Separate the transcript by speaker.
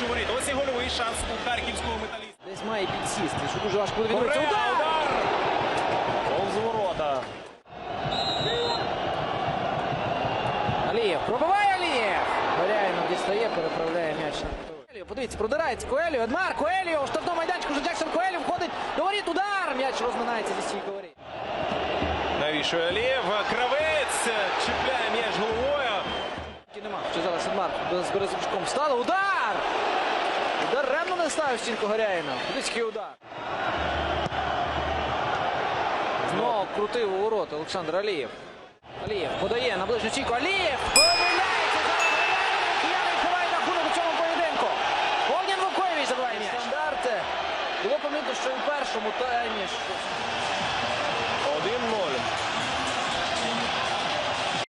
Speaker 1: площу воріт. Ось і гольовий шанс у харківського металіста.
Speaker 2: Десь має підсісти, що дуже важко буде відбитися. Удар!
Speaker 1: Повз ворота.
Speaker 2: Алієв, пробиває Алієв! Горяїнов дістає, переправляє м'яч. Подивіться, продирається Коеліо, Едмар, Коеліо, штрафного майданчику, вже Джексон Коеліо входить до воріт, удар! М'яч розминається зі стійки воріт.
Speaker 1: Навішує Алієв, Кравець чіпляє м'яч головою.
Speaker 2: Нема, ще зараз Едмар з Березовичком встали, удар! Удар ремно не ставив стінку Горяїна. Близький удар. Знову крутив у ворота Олександр Алієв. Алієв подає на ближню стійку, Алієв помиляється, зараз Горяїн, кияни відкривають рахунок у цьому поєдинку. Огнян Вукоєвич забиває м'яч. Стандарти. Було помітно, що і в першому таймі